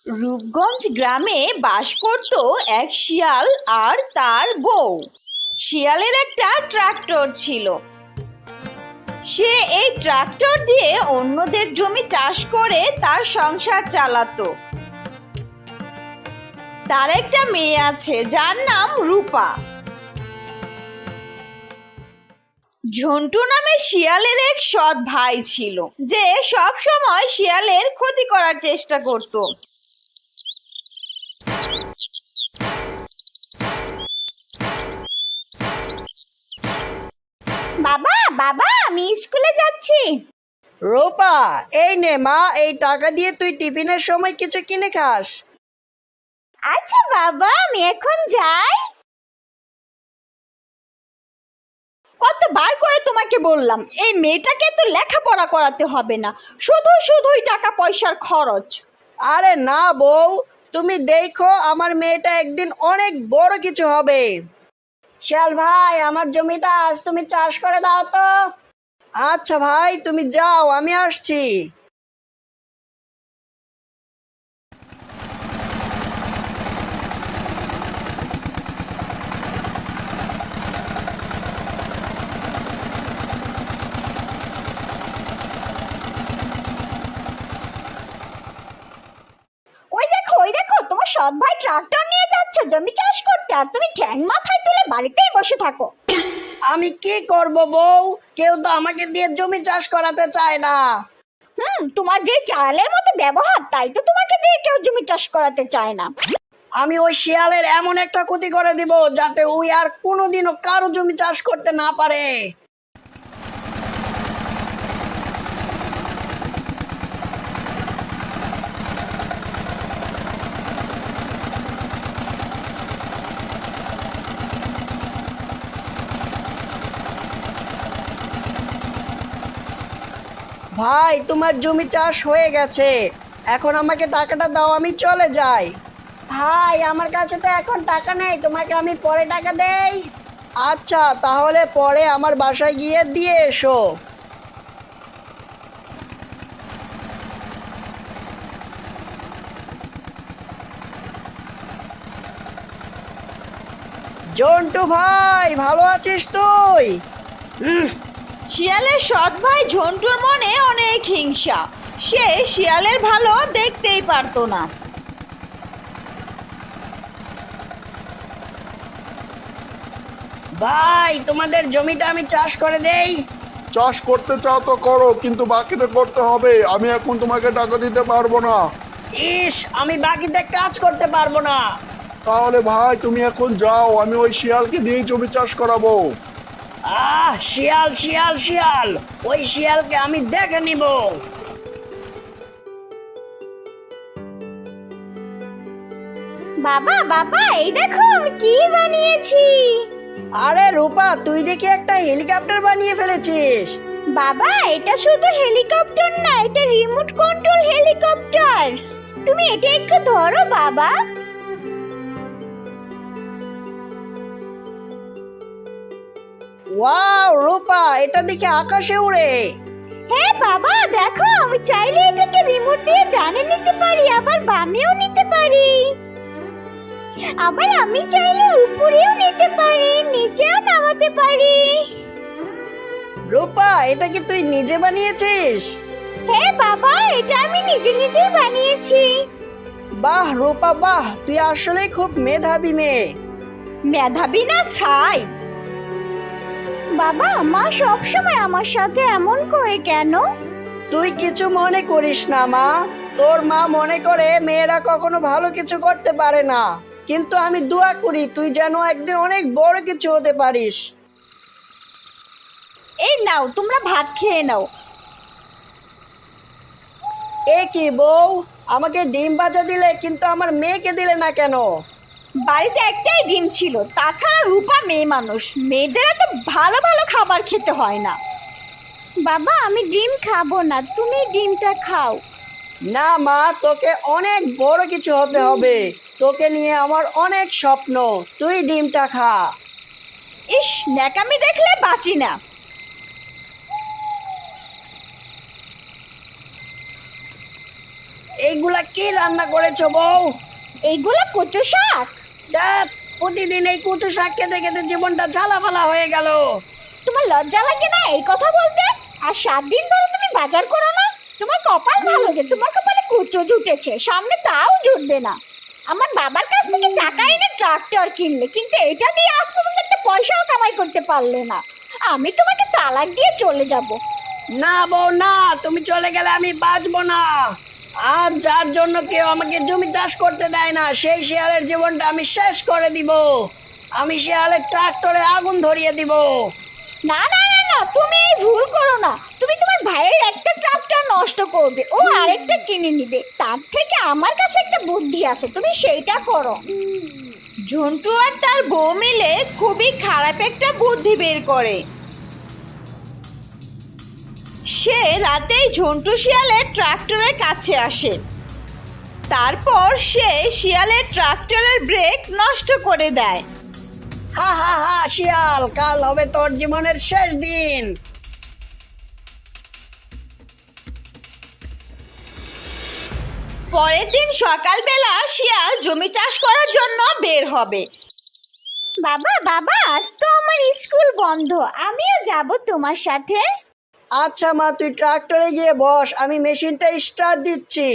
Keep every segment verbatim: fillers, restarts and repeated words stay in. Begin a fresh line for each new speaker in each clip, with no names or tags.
রূপগঞ্জ গ্রামে বাস করত এক শিয়াল আর তার বউ। শিয়ালের একটা ট্রাক্টর ছিল। সে এই ট্রাক্টর দিয়ে অন্যদের জমি চাষ করে তার সংসার চালাতো। তার একটা মেয়ে আছে যার নাম রূপা। ঝন্টু নামে শিয়ালের এক সৎ ভাই ছিল, যে সব সময় শিয়ালের ক্ষতি করার চেষ্টা করত। বাবা বাবা আমি স্কুলে যাচ্ছি।
রূপা, এই নে মা, এই টাকা দিয়ে তুই টিফিনের সময় কিছু কিনে খাস।
আচ্ছা বাবা, আমি এখন যাই। কতবার করে তোমাকে বললাম এই মেয়েটাকে তো লেখাপড়া করাতে হবে না, শুধু শুধুই টাকা পয়সার খরচ।
আরে না বউ, তুমি দেখো আমার মেয়েটা একদিন অনেক বড় কিছু হবে। শিয়াল ভাই, আমার জমিটা আজ তুমি চাষ করে দাও তো। আচ্ছা ভাই, তুমি যাও, আমি আসছি।
ওই দেখো ওই দেখো তোমার সৎ ভাই ট্রাক্টর নিয়ে যাচ্ছে জমি চাষ করতে, আর তুমি ঠ্যাং মাথায় তুলে বাড়িতেই বসে থাকো।
আমি কি করব বউ, কেউ তো আমাকে দিয়ে জমি চাষ করাতে চায় না।
হুম তোমার যে চালের মতো ব্যবহার, তাই তো তোমাকে দিয়ে কেউ জমি চাষ করাতে চায় না।
আমি ওই শিয়ালের এমন একটা ক্ষতি করে দিব যাতে ওই আর কোনোদিনও কারো জমি চাষ করতে না পারে। ভাই, তোমার জমি চাষ হয়ে গেছে, এখন আমাকে টাকাটা দাও, আমি চলে যাই। ভাই, আমার কাছে তো এখন টাকা নেই, তোমাকে আমি পরে টাকা দেই। আচ্ছা, তাহলে পরে আমার বাসায় গিয়ে দিয়ে এসো। জন্টু ভাই, ভালো আছিস তুই? উম,
শিয়ালের সৎ ভাই ঝন্টুর মনে অনেক হিংসা। সে শিয়ালের ভালো দেখতেই পারতো না।
ভাই, তোমাদের জমিটা আমি চাষ করে দেই।
চাষ করতে চাও তো করো, কিন্তু বাকিতে করতে হবে। আমি এখন তোমাকে টাকা দিতে পারবো না।
ইস, আমি বাকিতে কাজ করতে পারবো না।
তাহলে ভাই তুমি এখন যাও, আমি ওই শিয়ালকে দিয়েই জমি চাষ করাবো।
আহ, শিয়াল শিয়াল শিয়াল, ওই শিয়ালকে আমি দেখে নিব।
বাবা বাবা এই দেখো আমি কি বানিয়েছি।
আরে রূপা, তুই দেখি একটা হেলিকপ্টার বানিয়ে ফেলেছিস।
বাবা এটা শুধু হেলিকপ্টার না, এটা রিমোট কন্ট্রোল হেলিকপ্টার। তুমি এটা একটু ধরো বাবা।
ওয়াও রূপা, এটা দেখে আকাশে উড়ে।
হ্যাঁ বাবা দেখো, আমি চাইলে এটাকে রিমোট দিয়ে ডানে নিতে পারি, আবার বামেও নিতে পারি, আবার আমি চাইলে উপরেও নিতে পারি, নিচেও নামাতে পারি।
রূপা, এটা কি তুই নিজে বানিয়েছিস?
হ্যাঁ বাবা, এটা আমি নিজে নিজেই বানিয়েছি।
বাহ রূপা বাহ, তুই আসলে খুব মেধাবী মেয়ে।
মেধাবী না ছাই। বাবা মা সব সময় আমার সাথে এমন করে কেন?
তুই কিছু মনে করিস না মা, তোর মা মনে করে মেয়েরা কখনো ভালো কিছু করতে পারে না, কিন্তু আমি দোয়া করি তুই যেন একদিন অনেক বড় কিছু হতে পারিস।
এই নাও তোমরা ভাত খেয়ে নাও।
এ কি বউ, আমাকে ডিম ভাজা দিলে কিন্তু আমার মেয়েকে দিলে না কেন?
বাড়িতে একটাই ডিম ছিল, তাছাড়া রূপা মেয়ে মানুষ, মেয়েদের এত ভালো ভালো খাবার খেতে হয় না। বাবা আমি ডিম খাবো না, তুমি ডিমটা খাও।
না মা, তোকে অনেক বড় কিছু হতে হবে, তোকে নিয়ে আমার অনেক স্বপ্ন, তুই ডিমটা খা।
ইস, ন্যাকামি দেখলে বাঁচি না।
এইগুলা কি রান্না করেছো বউ?
এইগুলো কচু শাক।
ধ্যাৎ, প্রতিদিন এই কচু শাক খেতে খেতে জীবনটা ঝালাফালা হয়ে গেল।
তোমার লজ্জা লাগে না এই কথা বলতে? আর সাত দিন ধরে তুমি বাজার করো না? তোমার কপাল ভালো যে তোমার কপালে কুচো জুটেছে, সামনে তাও জুটবে না। আমার বাবার কাছ থেকে টাকা এনে ট্রাক্টর কিনলে, কিন্তু এটা দিয়ে আজ পর্যন্ত একটা পয়সাও কামাই করতে পারলে না। আমি তোমাকে তালাক দিয়ে চলে যাব।
না বউ না, তুমি চলে গেলে আমি বাঁচবো না। আর যার জন্য কেউ আমাকে জমি চাষ করতে দেয় না, সেই শিয়ালের জীবনটা আমি শেষ করে দিব। আমি শিয়ালের ট্রাক্টরে আগুন ধরিয়ে দিব।
না না না না, তুমি এই ভুল করো না। তুমি তোমার ভাইয়ের একটা ট্রাক্টর নষ্ট করবে, ও আরেকটা কিনে নিবে। তার থেকে আমার কাছে একটা বুদ্ধি আছে, তুমি সেইটা করো। ঝন্টু আর তার বউ মিলে খুবই খারাপ একটা বুদ্ধি বের করে। সে রাতেই ঝন্টু শিয়ালের ট্রাক্টরের কাছে আসে। তারপর সে শিয়ালের ট্রাক্টরের ব্রেক নষ্ট করে দেয়।
হা হা হা, শিয়াল, কাল হবে তোর জীবনের শেষ দিন।
পরের দিন সকালবেলা শিয়াল জমি চাষ করার জন্য বের হবে। বাবা বাবা, আজ তো আমার স্কুল বন্ধ, আমিও যাব তোমার সাথে।
আচ্ছা মা, তুই ট্রাক্টরে গিয়ে বস, আমি মেশিনটা স্টার্ট দিচ্ছি।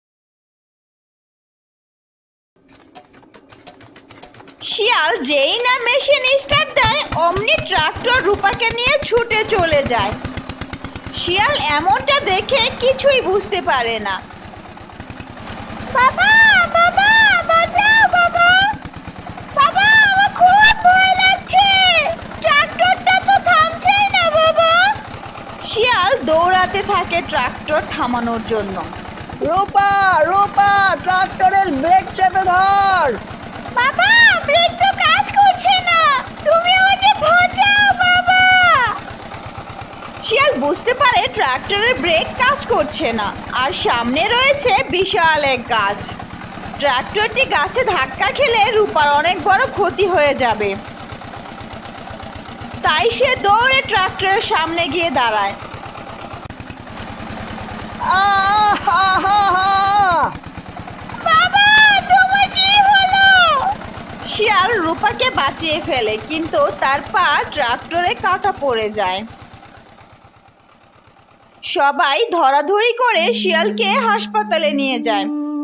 শিয়াল যেই না মেশিন স্টার্ট দেয়, অমনি ট্রাক্টর রূপাকে নিয়ে ছুটে চলে যায়। শিয়াল এমনটা দেখে কিছুই বুঝতে পারে না। বাবা বাবা, বাঁচাও বাবা, বাবা আমার খুব ভয় লাগছে, ট্রাক্টরটা তো থামছেই না বাবা। শিয়াল দৌড়াতে থাকে ট্রাক্টর থামানোর জন্য।
রূপা, রূপা, ট্রাক্টরের ব্রেক চেপে ধর।
বাবা ব্রেক তো কাজ করছে না, তুমি আমাকে বাঁচাও বাবা। শিয়াল বুঝতে পারে ট্রাক্টরের ব্রেক কাজ করছে না, আর সামনে রয়েছে বিশাল এক গাছ। ট্রাক্টরটি গাছে ধাক্কা খেলে রূপার অনেক বড় ক্ষতি হয়ে যাবে। তাই সে দৌড়ে ট্রাক্টরের সামনে গিয়ে দাঁড়ায়।
আহ, হা, হা, হা।
বাবা তোমার কি হলো? শিয়াল রূপাকে বাঁচিয়ে ফেলে, কিন্তু তার পা ট্রাক্টরে কাটা পড়ে যায়। সবাই ধরাধরি করে শিয়ালকে হাসপাতালে নিয়ে যায়।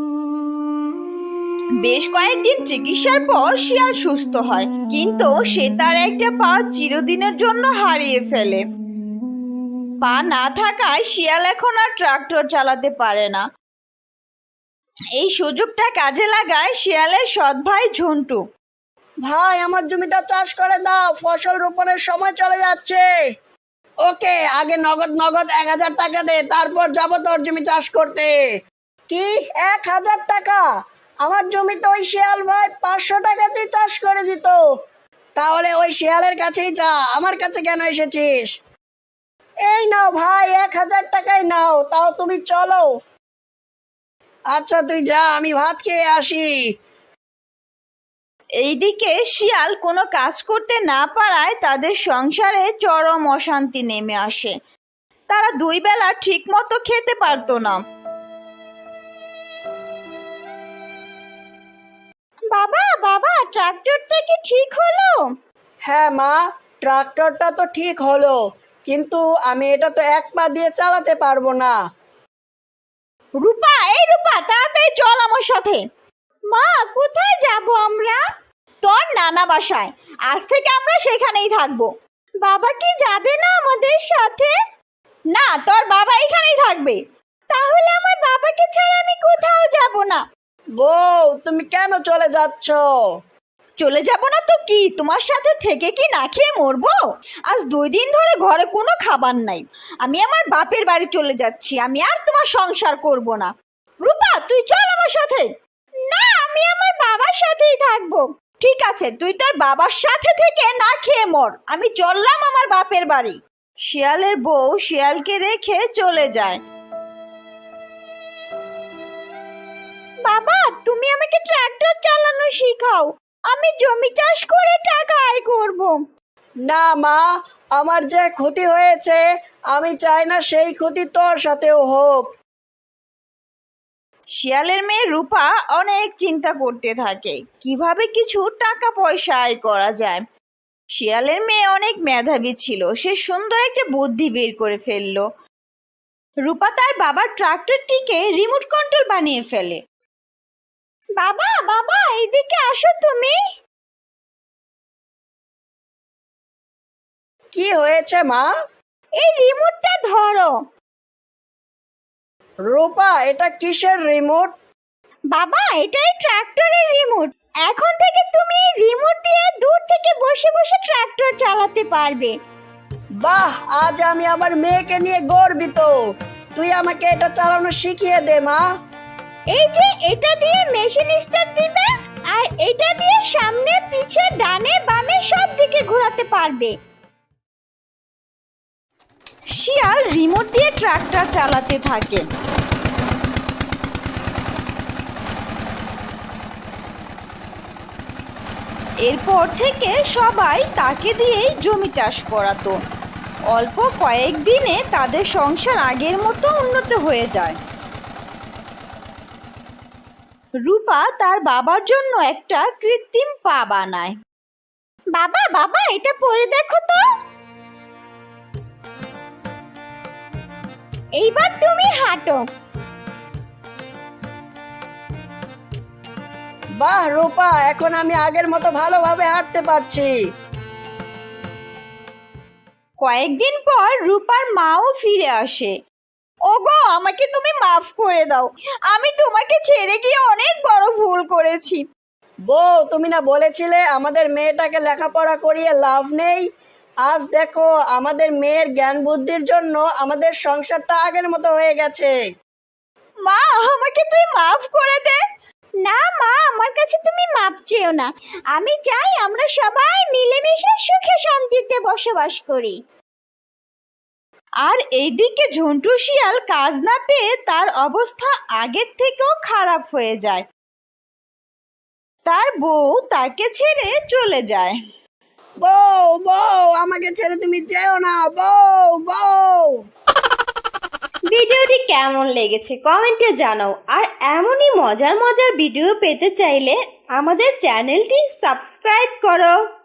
বেশ কয়েকদিন চিকিৎসার পর শিয়াল সুস্থ হয়, কিন্তু সে তার একটা পা চিরদিনের জন্য হারিয়ে ফেলে। পা না থাকায় শিয়াল এখন আর ট্রাক্টর চালাতে পারে না। এই সুযোগটা কাজে লাগায় শিয়ালের সৎ ভাই ঝন্টু।
ভাই, আমার জমিটা চাষ করে দাও, ফসল রোপণের সময় চলে যাচ্ছে। ওকে, আগে নগদ নগদ এক হাজার টাকা দে, তারপর যাবো তোর জমি চাষ করতে। কি, এক হাজার টাকা? আমার জমি তো ওই শিয়াল ভাই পাঁচশো টাকাতেই চাষ করে দিত। তাহলে ওই শিয়ালের কাছেই যা, আমার কাছে কেন এসেছিস? এই নাও ভাই, এক হাজার টাকাই নাও, তাও তুমি চলো। আচ্ছা তুই যা, আমি ভাত খেয়ে আসি।
এইদিকে শিয়াল কোনো কাজ করতে না পারায় তাদের সংসারে চরম অশান্তি নেমে আসে। তারা দুই বেলা ঠিক মতো খেতে পারতো না। বাবা বাবা, ট্রাক্টরটা কি ঠিক হলো?
হ্যাঁ মা, ট্রাক্টরটা তো ঠিক হলো, কিন্তু আমি এটা তো এক পা দিয়ে চালাতে পারবো না।
রূপা, এই রূপা, তাড়াতাড়ি চল আমার সাথে। মা, কোথায় যাব আমরা? তোর নানা বাসায়, আজ থেকে আমরা সেখানেই থাকবো। বাবা কি যাবে না আমাদের সাথে? না, তোর বাবা এখানেই থাকবে। তাহলে আমার বাবাকে ছাড়া আমি কোথাও যাব না।
বউ, তুমি কেন চলে যাচ্ছ?
চলে যাব না তো কি, তোমার সাথে থেকে কি না খেয়ে মরবো? আজ দুই দিন ধরে ঘরে কোনো খাবার নাই। আমি আমার বাপের বাড়ি চলে যাচ্ছি, আমি আর তোমার সংসার করব না। রূপা, তুই চল আমার সাথে। না, আমি আমার বাবার সাথেই থাকবো। ঠিক আছে, তুই তোর বাবার সাথে থেকে না খেয়ে মর, আমি চললাম আমার বাপের বাড়ি। শিয়ালের বউ শিয়ালকে রেখে চলে যায়। বাবা, তুমি আমাকে ট্রাক্টর চালানো শেখাও, আমি জমি চাষ করে টাকা আয় করব।
না মা, আমার যে ক্ষতি হয়েছে, আমি চাই না সেই ক্ষতি তোর সাথেও হোক।
শিয়ালের মেয়ে রূপা অনেক চিন্তা করতে থাকে কিভাবে কিছু টাকা পয়সা আয় করা যায়। শিয়ালের মেয়ে অনেক মেধাবী ছিল, সে সুন্দর একটা বুদ্ধি বের করে ফেললো। রূপা তার বাবার ট্রাক্টরটিকে রিমোট কন্ট্রোল বানিয়ে ফেলে। বাবা বাবা এইদিকে আসো তুমি।
কি হয়েছে মা?
এই রিমোটটা ধরো।
রূপা, এটা কিসের রিমোট?
বাবা এটাই ট্রাক্টরের রিমোট। এখন থেকে তুমি এই রিমোট দিয়ে দূর থেকে বসে বসে ট্রাক্টর চালাতে পারবে।
বাহ, আজ আমি আমার মেয়েকে নিয়ে গর্বিত। তুই আমাকে এটা চালানো শিখিয়ে দে মা।
এই যে এটা দিয়ে মেশিন স্টার্ট দিবে আর এটা দিয়ে সামনে পিছে ডানে বামে সব দিকে ঘোরাতে পারবে। শিয়াল রিমোট দিয়ে ট্রাক্টর চালাতে থাকে। এরপর থেকে সবাই তাকে দিয়েই জমি চাষ করাতো। অল্প কয়েকদিনে তাদের সংসার আগের মতো উন্নত হয়ে যায়। রূপা তার বাবার জন্য একটা কৃত্রিম পা বানায়। বাবা বাবা এটা পরে দেখো তো। এইবার তুমি হাঁটো।
বাহ রূপা, এখন আমি আগের মতো ভালোভাবে হাঁটতে পারছি।
কয়েকদিন পর রূপার মাও ফিরে আসে। ওগো আমাকে তুমি মাফ করে দাও, আমি তোমাকে ছেড়ে গিয়ে অনেক বড় ভুল করেছি।
বউ, তুমি না বলেছিলে আমাদের মেয়েটাকে লেখাপড়া করিয়ে লাভ নেই? আজ দেখো, আমাদের মেয়ের জ্ঞান বুদ্ধির জন্য আমাদের সংসারটা আগের মতো হয়ে গেছে।
মা আমাকে তুই মাফ করে দে। না মা, আমার কাছে তুমি মাপ চেও না। আমি চাই আমরা সবাই মিলেমিশে সুখে শান্তিতে বসবাস করি। আর এইদিকে ঝন্টু শিয়াল কাজ না পেয়ে তার অবস্থা আগের থেকেও খারাপ হয়ে যায়। তার বউ তাকে ছেড়ে চলে যায়।
বউ বউ, আমাকে ছেড়ে তুমি যেও না বউ বউ।
ভিডিওটি কেমন লেগেছে কমেন্টে জানাও। আর এমনই মজার মজার ভিডিও পেতে চাইলে আমাদের চ্যানেলটি সাবস্ক্রাইব করো।